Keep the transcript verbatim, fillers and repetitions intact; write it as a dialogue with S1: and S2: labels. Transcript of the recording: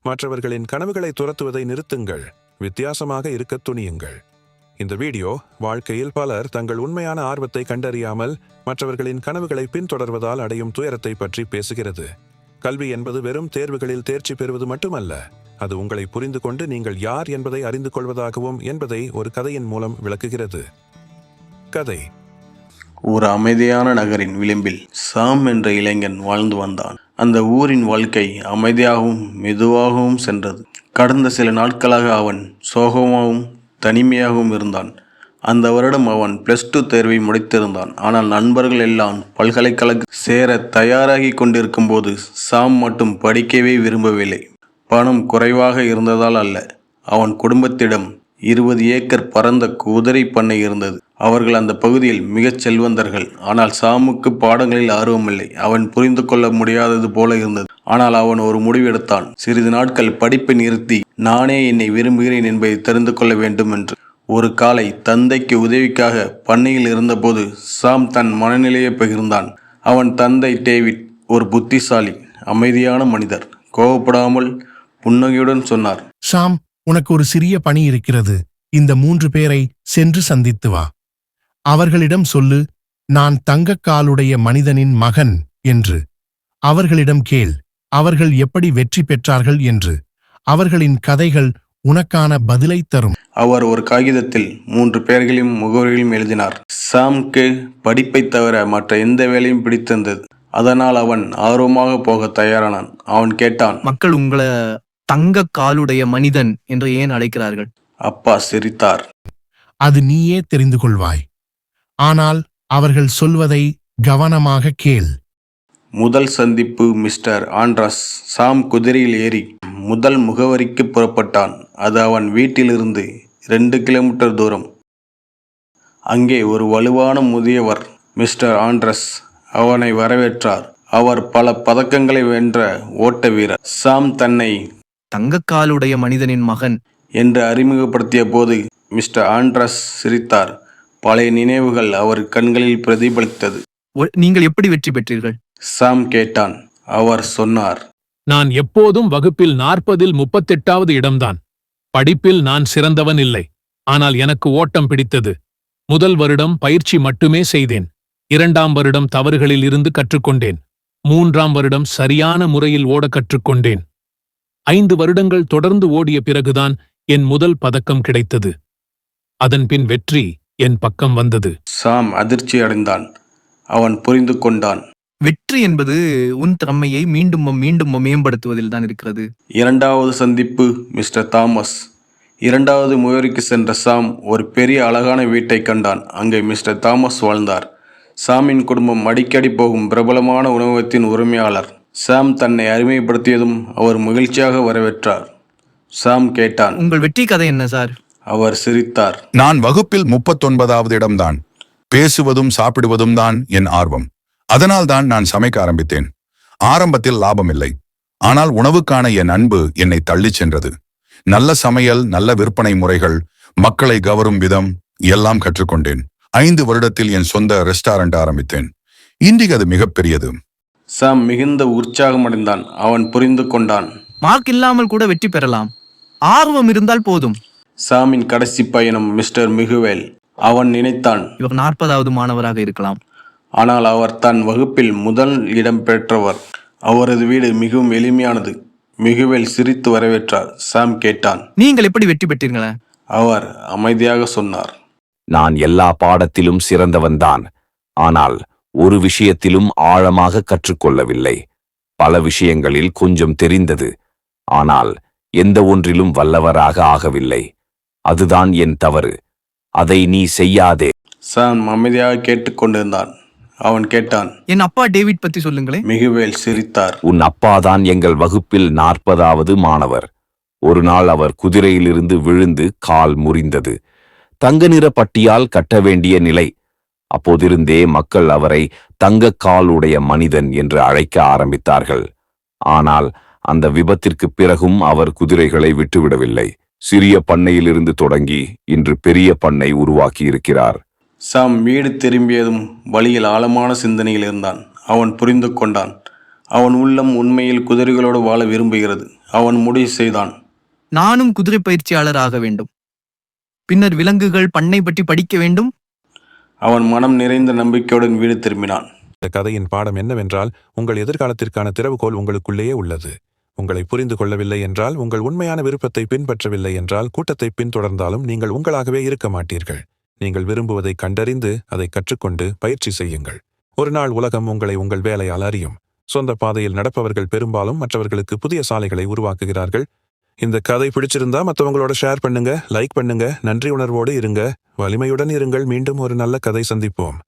S1: மற்றவர்களின் கனவுகளை துரத்துவதை நிறுத்துங்கள். வித்தியாசமாக இருக்கத் துணியுங்கள். இந்த வீடியோ வாழ்க்கையில் பலர் தங்கள் உண்மையான ஆர்வத்தை கண்டறியாமல் மற்றவர்களின் கனவுகளை பின்தொடர்வதால் அடையும் துயரத்தை பற்றி பேசுகிறது. கல்வி என்பது வெறும் தேர்வுகளில் தேர்ச்சி பெறுவது மட்டுமல்ல, அது உங்களை புரிந்து கொண்டு நீங்கள் யார் என்பதை அறிந்து கொள்வதாகவும் என்பதை ஒரு கதையின் மூலம் விளக்குகிறது. கதை.
S2: ஒரு அமைதியான நகரின் விளிம்பில் சாம் என்ற இளைஞன் வாழ்ந்து வந்தான். அந்த ஊரின் வாழ்க்கை அமைதியாகவும் மெதுவாகவும் சென்றது. கடந்த சில நாட்களாக அவன் சோகமாகவும் தனிமையாகவும் இருந்தான். அந்த வருடம் அவன் பிளஸ் டூ தேர்வை முடித்திருந்தான். ஆனால் நண்பர்கள் எல்லாம் பல்கலைக்கழக சேர தயாராகி கொண்டிருக்கும் போது சாம் மட்டும் படிக்கவே விரும்பவில்லை. பணம் குறைவாக இருந்ததால் அல்ல, அவன் குடும்பத்திடம் இருபது ஏக்கர் பரந்த குதிரை பண்ணை இருந்தது. அவர்கள் அந்த பகுதியில் மிகச் செல்வந்தர்கள். ஆனால் சாமுக்கு பாடங்களில் ஆர்வமில்லை. அவன் புரிந்து கொள்ள முடியாதது போல இருந்தது. ஆனால் அவன் ஒரு முடிவெடுத்தான். சிறிது நாட்கள் படிப்பை நிறுத்தி நானே என்னை விரும்புகிறேன் என்பதை தெரிந்து கொள்ள வேண்டும் என்று. ஒரு காலை தந்தைக்கு உதவிக்காக பண்ணையில் இருந்தபோது சாம் தன் மனநிலையை பகிர்ந்தான். அவன் தந்தை டேவிட் ஒரு புத்திசாலி, அமைதியான மனிதர். கோபப்படாமல் புன்னகையுடன் சொன்னார்,
S3: சாம், உனக்கு ஒரு சிறிய பணி இருக்கிறது. இந்த மூன்று பேரை சென்று சந்தித்து வா. அவர்களிடம் சொல்லு, நான் தங்கக்காலுடைய மனிதனின் மகன் என்று. அவர்களிடம் கேள், அவர்கள் எப்படி வெற்றி பெற்றார்கள் என்று. அவர்களின் கதைகள் உனக்கான பதிலை தரும்.
S2: அவர் ஒரு காகிதத்தில் மூன்று பேர்களையும் முகவரிகளையும் எழுதினார். சாம்க்கு படிப்பை தவிர மற்ற எந்த வேலையும் பிடித்திருந்தது. அதனால் அவன் ஆர்வமாக போக தயாரானான். அவன் கேட்டான்,
S4: மக்கள் உங்களை தங்க காலுடைய மனிதன் என்று ஏன் அழைக்கிறார்கள்?
S2: அப்பா சிரித்தார்.
S3: அது நீயே தெரிந்து கொள்வாய். ஆனால் அவர்கள் சொல்வதை கவனமாக கேள்.
S2: முதல் சந்திப்பு மிஸ்டர் ஆண்ட்ரஸ். சாம் குதிரையில் ஏறி முதல் முகவரிக்கு புறப்பட்டான். அது அவன் வீட்டிலிருந்து இரண்டு கிலோமீட்டர் தூரம். அங்கே ஒரு வலுவான முதியவர் மிஸ்டர் ஆண்ட்ரஸ் அவனை வரவேற்றார். அவர் பல பதக்கங்களை வென்ற ஓட்ட வீரர். சாம் தன்னை
S4: தங்கக்காலுடைய மனிதனின் மகன்
S2: என்று அறிமுகப்படுத்திய போது மிஸ்டர் ஆண்ட்ரஸ் சிரித்தார். பழைய நினைவுகள் அவர் கண்களில் பிரதிபலித்தது.
S4: நீங்கள் எப்படி வெற்றி பெற்றீர்கள்?
S2: சாம் கேட்டான். அவர் சொன்னார்,
S5: நான் எப்போதும் வகுப்பில் நாற்பதில் முப்பத்தெட்டாவது இடம்தான். படிப்பில் நான் சிறந்தவன் இல்லை. ஆனால் எனக்கு ஓட்டம் பிடித்தது. முதல் வருடம் பயிற்சி மட்டுமே செய்தேன். இரண்டாம் வருடம் தவறுகளில் இருந்து கற்றுக்கொண்டேன். மூன்றாம் வருடம் சரியான முறையில் ஓட கற்றுக்கொண்டேன். ஐந்து வருடங்கள் தொடர்ந்து ஓடிய பிறகுதான் என் முதல் பதக்கம் கிடைத்தது. அதன்பின் வெற்றி என் பக்கம் வந்தது.
S2: சாம் அதிர்ச்சி அடைந்தான். அவன் புரிந்து கொண்டான்.
S4: வெற்றி என்பது உன் திறமையை மீண்டும் மீண்டும் மேம்படுத்துவதில் தான் இருக்கிறது.
S2: இரண்டாவது சந்திப்பு மிஸ்டர் தாமஸ். இரண்டாவது முயற்சிக்கு சென்ற சாம் ஒரு பெரிய அழகான வீட்டை கண்டான். அங்கே மிஸ்டர் தாமஸ் வாழ்ந்தார். சாமின் குடும்பம் அடிக்கடி போகும் பிரபலமான உணவகத்தின் உரிமையாளர். சாம் தன்னை அறிமுகப்படுத்தியதும் அவர் மகிழ்ச்சியாக வரவேற்றார். சாம் கேட்டான்,
S4: உங்கள் வெற்றி கதை என்ன சார்?
S2: அவர் சிரித்தார்.
S6: நான் வகுப்பில் முப்பத்தொன்பதாவது இடம்தான். பேசுவதும் சாப்பிடுவதும் தான் என் ஆர்வம். அதனால்தான் நான் சமைக்க ஆரம்பித்தேன். ஆரம்பத்தில் லாபம் இல்லை. ஆனால் உணவுக்கான என் அன்பு என்னை தள்ளிச் சென்றது. நல்ல சமையல், நல்ல விற்பனை முறைகள், மக்களை கவரும் விதம் எல்லாம் கற்றுக்கொண்டேன். ஐந்து வருடத்தில் என் சொந்த ரெஸ்டாரண்ட் ஆரம்பித்தேன். இன்றைக்கு அது மிகப்பெரியது.
S2: சாம் மிகுந்த உற்சாகமடைந்தான். அவன் புரிந்து கொண்டான்.
S4: மார்க் இல்லாமல் கூட வெற்றி பெறலாம். ஆர்வம் இருந்தால் போதும்.
S2: சாமின் கடைசி பயணம் மிஸ்டர் மிகுவேல். அவன் நினைத்தான்,
S4: இவர் நாற்பதாவது மாணவராக இருக்கலாம்.
S2: ஆனால் அவர் தன் வகுப்பில் முதல் இடம் பெற்றவர். அவரது வீடு மிகவும் எளிமையானது. மிகுவேல் சிரித்து வரவேற்றார். சாம் கேட்டான்,
S4: நீங்கள் எப்படி வெற்றி பெற்றீர்களா?
S2: அவர் அமைதியாக சொன்னார்,
S7: நான் எல்லா பாடத்திலும் சிறந்தவன்தான். ஆனால் ஒரு விஷயத்திலும் ஆழமாக கற்றுக்கொள்ளவில்லை. பல விஷயங்களில் கொஞ்சம் தெரிந்தது. ஆனால் எந்த ஒன்றிலும் வல்லவராக ஆகவில்லை. அதுதான் என் தவறு. அதை நீ செய்யாதே.
S2: சாம் அமைதியாக கேட்டுக்கொண்டிருந்தான். அவன் கேட்டான்,
S4: என் அப்பா டேவிட் பத்தி சொல்லுங்களே.
S2: மிகுவேல் சிரித்தார்.
S7: உன் அப்பாதான் எங்கள் வகுப்பில் நாற்பதாவது மாணவர். ஒரு நாள் அவர் குதிரையிலிருந்து விழுந்து கால் முறிந்தது. தங்க நிற பட்டியால் கட்ட வேண்டிய நிலை. அப்போதிருந்தே மக்கள் அவரை தங்கக்காலுடைய மனிதன் என்று அழைக்க ஆரம்பித்தார்கள். ஆனால் அந்த விபத்திற்கு பிறகும் அவர் குதிரைகளை விட்டுவிடவில்லை. சிறிய பண்ணையிலிருந்து தொடங்கி இன்று பெரிய பண்ணை உருவாக்கி இருக்கிறார்.
S2: சாம் வீடு திரும்பியதும் வழியில் ஆழமான சிந்தனையில் இருந்தான். அவன் புரிந்து கொண்டான். அவன் உள்ளம் உண்மையில் குதிரைகளோடு வாழ விரும்புகிறது. அவன் முடிவு செய்தான்.
S4: நானும் குதிரை பயிற்சியாளர் ஆக வேண்டும். பின்னர் விலங்குகள் பண்ணை பற்றி படிக்க வேண்டும்.
S2: அவன் மனம் நிறைந்த நம்பிக்கையுடன் வீடு திரும்பினான்.
S1: இந்த கதையின் பாடம் என்னவென்றால், உங்கள் எதிர்காலத்திற்கான திறவுகோல் உங்களுக்குள்ளேயே உள்ளது. உங்களை புரிந்து கொள்ளவில்லை என்றால், உங்கள் உண்மையான விருப்பத்தை பின்பற்றவில்லை என்றால், கூட்டத்தை பின்தொடர்ந்தாலும் நீங்கள் உங்களாகவே இருக்க மாட்டீர்கள். நீங்கள் விரும்புவதை கண்டறிந்து அதை கற்றுக்கொண்டு பயிற்சி செய்யுங்கள். ஒரு நாள் உலகம் உங்களை உங்கள் வேலையால் அறியும். சொந்த பாதையில் நடப்பவர்கள் பெரும்பாலும் மற்றவர்களுக்கு புதிய சாலைகளை உருவாக்குகிறார்கள். இந்த கதை பிடிச்சிருந்தா மற்றவங்களோட ஷேர் பண்ணுங்க, லைக் பண்ணுங்க, நன்றி உணர்வோடு இருங்க, வலிமையுடன் இருங்கள். மீண்டும் ஒரு நல்ல கதை சந்திப்போம்.